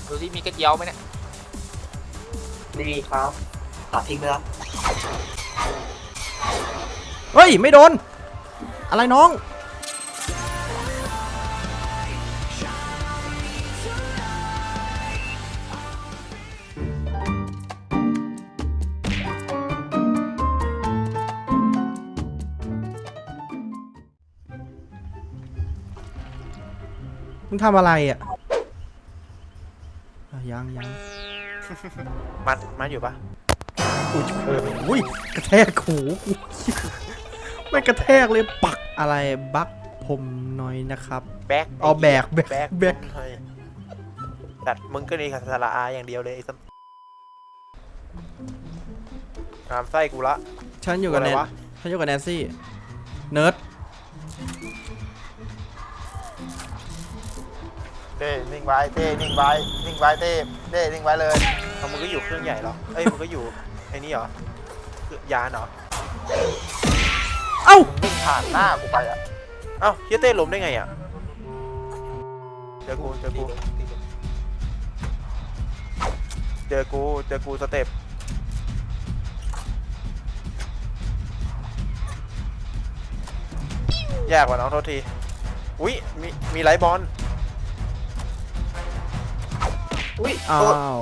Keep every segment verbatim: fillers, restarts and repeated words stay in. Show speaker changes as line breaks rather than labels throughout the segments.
ดูที่มีกระเจียวไหมเนี่ย
นี่ครับตัดทิ้งไปแล้ว
เฮ้ยไม่โดนอะไรน้องมึงทำอะไรอ่ะยังยัง
มัดมัดอยู่ปะ
อุ้ยอุ้ยกระแทกหูกูไม่กระแทกเลยปักอะไรบักผมหน่อยนะครับ
แบก
เอาแบกแบก
แบก
แบก
เฮ้ยตัดมึงก็นี่คาสาระอาอย่างเดียวเลยไอ้สัมงามไส้กูละ
ฉันอยู่กับแนนฉันอยู่กับแนนซี่เนิร์ด
เต้นิ่งไว้เต้นิ่งไว้นิ่งไว้เต้เต้นิ่งไว้เลย
เอามึงก็อยู่เครื่องใหญ่เหรอเอ้ยมึงก็อยู่ไอ้นี่เหรอคือยานเหรอ
เอ้า
วิ่งผ่านหน้ากูไปอ่ะ
เอ้าเฮียเต้ล้มได้ไงอ่ะเจอกูเจอกูเจอกูเจอกูสเต็ปยากกว่าน้องโทษทีอุ้ยมีมีไลท์บอล
อุ้ย
อ้า
โทษ
ว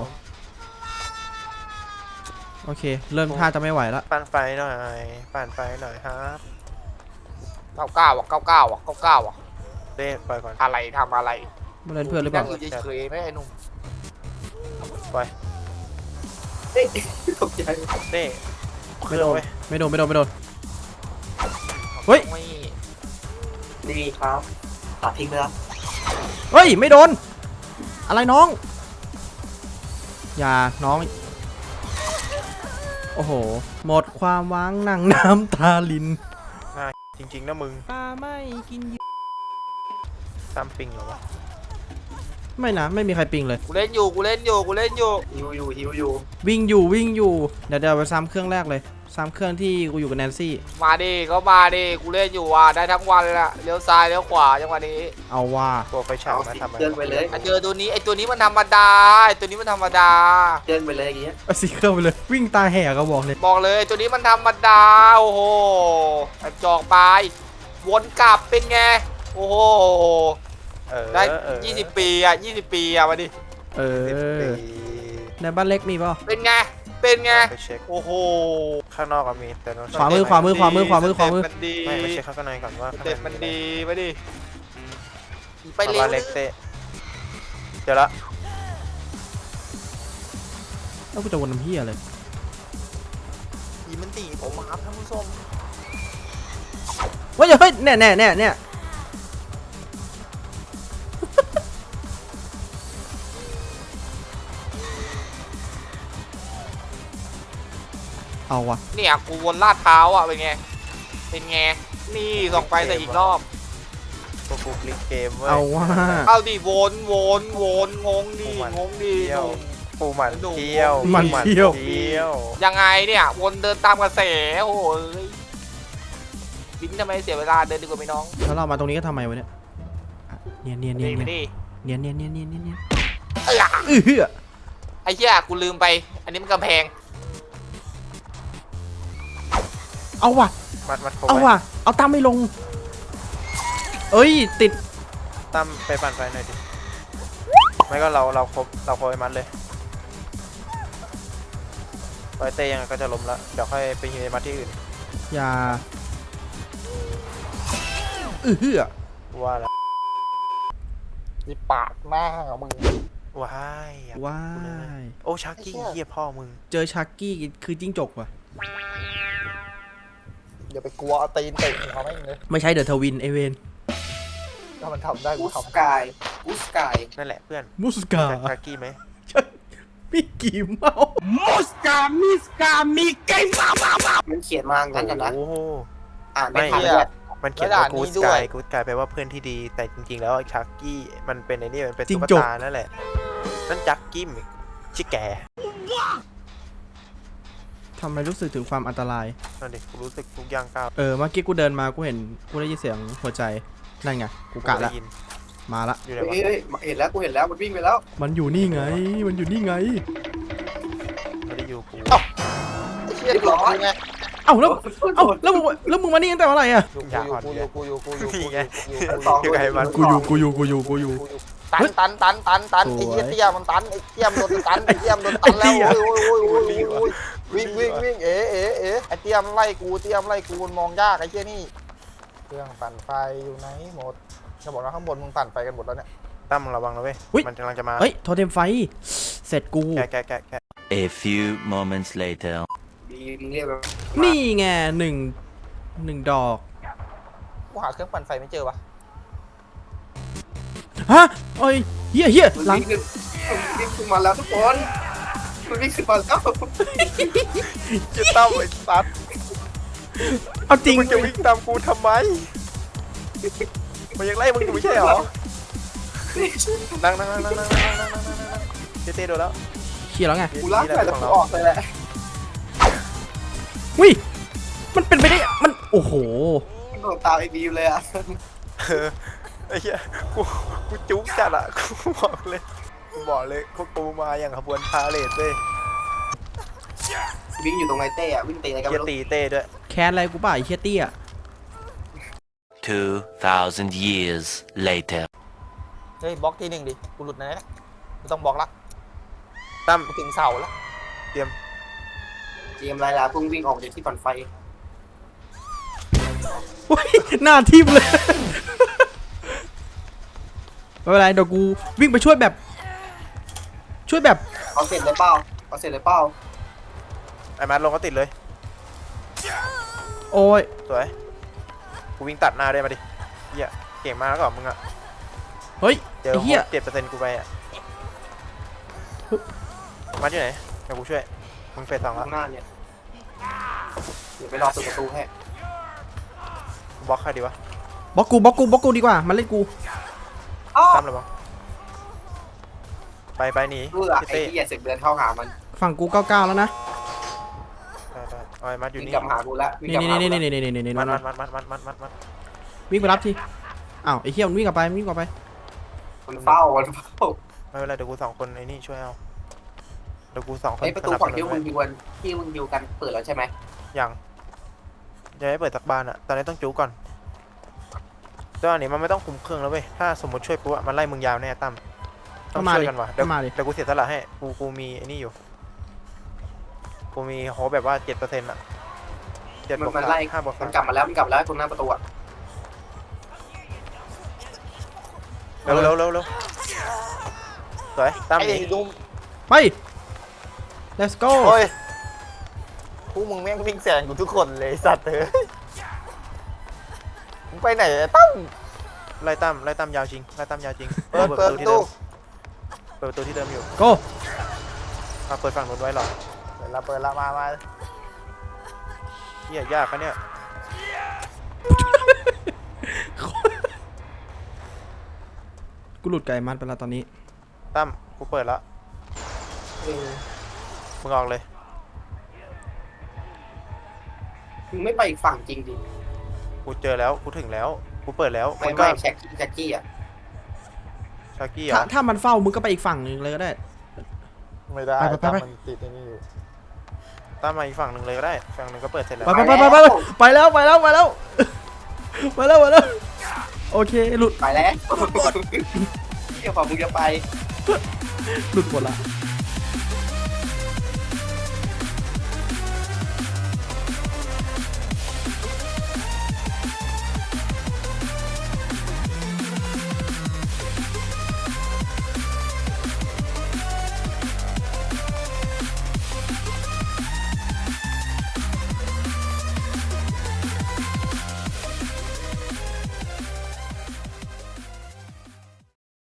โอเคเริ่มท่าจะไม่ไหวแล้ว
ปั่นไฟหน่อยปั่นไฟหน่อยครับ
เก้าเก้าอ่ะเก้าเก้าอ่ะเก้าเก้าอ่ะ
เต้ปล่อยก่อน
อะไรทำอะไร
มาเล่นเพื่อนหรือเปล่า
นั่งอยู่เฉยๆไหมไอ้หนุ่ม
ปล่อย
เฮ้ยตกใจ
เต้
ไม่โดน
เว้ย
ไม่โดนไม่โดนไม่โดน เฮ้ย
ไม่
นี่ครับตัดทิ้งไปแล้ว
เฮ้ยไม่โดนอะไรน้องอย่าน้องโอ้โหหมดความหวังนั่งน้ำตาลิน
น่าจริงๆนะมึง
ปลาไม่กิน
ตามปิงเหรอวะ
ไม่นะไม่มีใครปิงเลย
กูเล่นอยู่กูเล่นอยู่กูเล่นอยู่
ฮิวอยู่ฮิวอยู่
วิ่งอยู่วิ่งอยู่เดี๋ยวเดี๋ยวไปซ้ำเครื่องแรกเลยซ้ำเครื่องที่กูอยู่กับแนนซี่
มาดิก็มาดิกูเล่นอยู่ว่ะได้ทั้งวันเลยละเลี้ยวซ้ายเลี้ยวขวาจังหวะนี้
เอาว่า
ตัวไฟฉาย
เอา
มา
สิ
ทำอะไร
เดินไปเลย
อ่ะเจอตัวนี้ไอ้ตัวนี้มันธรรมดาไอ้ตัวนี้มันธรรมดา
เดินไปเลยอย่างเงี้ย
เอาสีเครื่องไปเลยวิ่งตาแหกก็บอกเลย
บอกเลยไอ้ตัวนี้มันธรรมดาโอ้โหไอ้จอกไปวนกลับเป็นไงโอ้โห
เออ
ได้
เออ
ยี่สิบปีอ่ะยี่สิบปีอ่ะมาดิ
เอ
สิบ
อ
ปี
ในบ้านเล็กมีเปล่า
เป็นไงเป็นไง
ไปเช็ค
โอ้โห
ข้างนอกก็มีแต่เรา
ขวามือขวามือขวามือขวามือขวามือ
สเต็ปมันดี
ไม่ไปเช็คข้างในก่อนว่า
ส
ข้างใน
เต็ปมันดีมาดิไป
ไป
เร็
บ้าว นเล็กเต้เจอละ
แล้วกูจะวนน้ำเฮียเลย
ผีมันตีผมมาครับท่านผู้ชม
เว้ยเฮ้ยเนี่ยเนี่ยเนี่ยเนี่ยเอาวะ
เนี่ยกูวนลาดเท้าอ่ะเป็นไงเป็นไงนี่ส่องไปแต่อีกรอบ
พวกกูคลิกเกมเว้ย
เอาว่า
เอาดิวนวนวนงงดิ
พวกมัน
งงดิ
เที่ยว
หนุ่ม
ปูหมันเที่ยว
มันเที่ยว
เที่ยว
ยังไงเนี่ยวนเดินตามกระแสโอ้ยบินทำไมเสียเวลาเดินดีกว่าไหมน้อง
แล้วเรามาตรงนี้ก็ทำไมวะเนี่ยอ่ะเนียนเนียนเนีย
ดี
น
ไป
เนียน
ดิ
เนียนเนียนเนียนเนียนเนียน
เอ้ย
อื้อหือ
ไอ้เหี้ยกูลืมไป อันนี้มันกำแพง
เอาว่ะ
มัดมัดเขา
เอา
ไว้
ว่ะเอาตั้มไม่ลง เอ้ยติด
ตั้มไปปั่นไฟหน่อยดิไม่ก็เราเราครบเราครบไอ้มัดเลยไฟเต้ยังไงก็จะล้มละเดี๋ยวค่อยไปฮิวไอ้มัดที่อื่น
อย่าอื้อหือ
ว่าแล้ว
มีปากหน้ามึง
ว้ายอยาก
ว้า
พูดเลย
ย
โอ้ชักกี้เฮียพ่อมึง
เจอชักกี้คือจิ้งจกว่ะ
อย่าไปกลัวเอาตีนเตะหัวแม่งเลย
ไม่ใช่เดอะทวินไอเวน
ถ้ามันทำได้
อุ
กู
ส
ทำ
กายอุสกาย
นั่นแหละเพื่อน
มุสกา
จากชักกี้ไหม
มิกกี้เมาส์
มันเขียนมางั้นกันนะ
โอ้โห
อ่านไม่
ไม่
ทันเลย
มันเขียนว่ากูสกายกูสกายแปลว่าเพื่อนที่ดีแต่จริงๆแล้วชักกี้มันเป็นไอ้นี่มันเป็นตุ๊กตานั่นแหละนั่นจักกี้ชิแก
ทำไมรู้สึกถึงความอันตราย
นั่นดิกูรู้สึกทุกอย่างก้าว
เออเมื่อกี้กูเดินมากูเห็นกูได้ยินเสียงหัวใจนั่นไงกูกะ
ได้
ละ
ยิน
มาละ
อยู่ไหน
เฮ้ยว
ะ
เฮ้ยเห็นแล้วกูเห็นแล้วมันวิ่งไปแล้ว
มันอยู่นี่ไง มันอยู่นี่ไง
ไม่ได้อยู่กู
ไอ้เชี่ยร้อนไง
เอ้าแล้วเอ้าแล้วมึงแล้วมึงมานี่ตั้งแต่เมื่อไหร่อะ
อยู่กูอยู่กูอยู่กูอยู่กูอยู่กูอยู่
นี่ไง
อยู่
อยู่ไงมัน
กูอยู่กูอยู่กูอยู่กูอยู่
ตันตันตันตันตันไอ้เหี้ยเตี้ยมันตันไอ้เตี้ยมนโดนตันไอ้เตี้ยมโดนตันแล้วโอ้ยโอ้ยโอ้ยโอ้ยวิ่งวิ่งวิ่งเอ๋เอ๋เอ๋ไอ้เตี้ยมไล่กูเตี้ยมไล่กูมันมองยากไอ้เชี่ยนี่เครื่องปั่นไฟอยู่ไหนหมดจะบอกว่าข้างบนมึงปั่นไฟกันหมดแล้วเนี่ย
ตั้มระวังนะเว้ยมันกำลังจะมา
เฮ้ยโทเทมไฟ เสร็จกู
แกะแกะแกะแกะ
A few moments later.
ดีมึงเรียกแบบ
นี่ไงหนึ่งหนึ่งดอก
กูหาเครื่องปั่นไฟไม่เจอวะ
ฮะโอ้ยเฮียเฮีย
มัน
หลัง
วิ่งขึ้นมันวิ่งขึ้นมาแล้วทุกคนมันวิ่งขึ้นมาแล้ว
จะตั้มไอ้สัตว์
เอาจริง
มึงจะวิ่งตามกูทำไมมันยังไล่มึงอยู่ไม่ใช่เหรอนั่งนั่งนั่งนั่งนั่งนั่งนั่งนั่งนั่งนั่งเจเต้โดนแล้ว
เชียร์แล้วไง
กูลากแต่กูออกเลยแหละ
วิมันเป็นไปได้มันโอ้โห
มันโดนตามไอ้บีมเลยอ่ะ
เออไอ้เหี้ยกูกูจุกจัดอะกูบอกเลยกูบอกเลยพวกกูมาอย่างขบวนพาเลทเลย
วิ่งอยู่ตรงไอ้เต้อะวิ่งตีอะไรกัน
เกี
ไม่
ย
รู้
ตีเต้ด้วย
แค้นอะไรกูป่ะไอ้เชียเตี้ย
Two thousand years later.
เฮ้ยบล็อกทีหนึ่งดิกูหลุดนะเนี่ยกูต้องบล็อกละ
ตั้ม
กูถึงเสาแล้ว
เจมส์ไรล่ะเพิ่งวิ่งออกจากที่ปั่นไฟ
โอ้ยหน้าทิ่มเลย ไม่เป็นไรเดี๋ยวกูวิ่งไปช่วยแบบ ช่วยแบบ
เอาเสร็จเลยเปล่าเอาเสร็จเลยเปล่า
ไอ้มัดลงก็ติดเลย
โอ้ย
สวยกูวิ่งตัดหน้าได้มาดิเหี้ยเก่งมากแล้วก็มึงอะ
เฮ้ย
เดี๋ยว
ไอ้เหี้ย
เจ็ดเปอร์เซ็นต์กูไปอะมัดอยู่ไหนเดี๋ยวกูช่วยมึงเฟสสองแล้ว
ข้างหน้าเนี่ยเดี๋ยวไปรอเปิดประตูให้
บล็อกใครดีวะ
บล็อกกูบล็อกกูบล็อกกูดีกว่ามันเล่นกู
อ้าว
ตั้มเลยบล็อกไปไปหนี
เพื่อ
พี่
ไอ้
เต้
ที่อย่าเสกเดินเข้าหามัน
ฝั่งกูเก้าเก้าแล้วนะ
ได้ได้เอาไอ้มัดอยู่
วิ่ง
นี่
กลับมาหากูละวิ่ง
นี่
กลับ
นี่
มาหา
นี่
กู
นี่
ละ
นี่นี่นี่นี่
มัด
นี่
มัดมัดมัดมัดมัดมัด
วิ่งไปรับทีอ้าวไอ้เหี้ยมันวิ่งกลับไปมันวิ่งกลับไป
มันเฝ้ามันเฝ้า
ไม่เป็นไรเดี๋ยวกูสองคนไอ้นี่ช่วยเอาเดี๋ยวกูสองคน
ไอ้ประตูฝั่งที่มึงอยู่กันที่มึงอยู่กันเปิดแล้วใช่ไหม
ยังจะให้เปิดสักบานอะตอนนี้ต้องจูก่อนแต่อันนี้มันไม่ต้องคุมเครื่องแล้วเว้ยถ้าสมมติช่วยปุ๊บอะมันไล่มึงยาวแน่ตั้มต้
ก็
อง
มา
ช่วย
ดิ
กันว่ะเดี๋
ก็
ยว
มาดิ
เดี๋ยวกูเสียสละให้กูกูมีไอ้นี่อยู่กูมีโฮปแบบว่าเจ็ดเปอร์เซ็นต์อะเจ็ด
มัน
บวก
มัน
สาม
ไล่
ห้าบวก
มั
สาน ม
กลับมาแล้วมันกลับมาแล้วตรงหน้าประตูอะ
เร็วเร็วเร็วเร็วสวยตั้ม
ไอ้
หนี
ดุม
ไป let's go
โอ้ยพวกมึงแม่งวิ่งแซงกูทุกคนเลยไอ้สัตว์เถอะมึงไปไหนไอ้ตั้ม
ไล่ตั้มไล่ตั้มยาวจริงไล่ตั้มยาวจริง
เปิดเปิด
ที่
ตู้
เดิมเปิดประตูที่เดิมอยู่
go
มาเปิดฝั่งนู้นไว้หรอ
เปิดละเปิดละมามา
เฮียยากปะเนี่ย
กูหลุดไก่มันไปแล้วตอนนี้
ตั้มกูเปิดแล้ว
เออ
มึงออกเลย
มึงไม่ไปอีกฝั่งจริงดิ
กูเจอแล้วกูถึงแล้วกูเปิดแล้ว
ไม่
มึงก็
ไม่แช็กกี้แช็กกี้อะ
ชากี้เหร
ถ้า
อ
ถ้ามันเฝ้ามึงก็ไปอีกฝั่งหนึ่งเลยก็ได้
ไม่ได้
ไปไปไป
ตั้มมันติดไอ้นี่อยู่
ตั้มมาอีกฝั่งหนึ่งเลยก็ได้ฝั่งหนึ่งก็เปิดเสร็จแล้ว
ไปไปไปไปไปไปแล้วไปแล้วไปแล้วไปแล้วไปแล้วโอเคหลุด
ไปแล้วเดี๋ยวพอมึงจะไป
หลุดหมดละ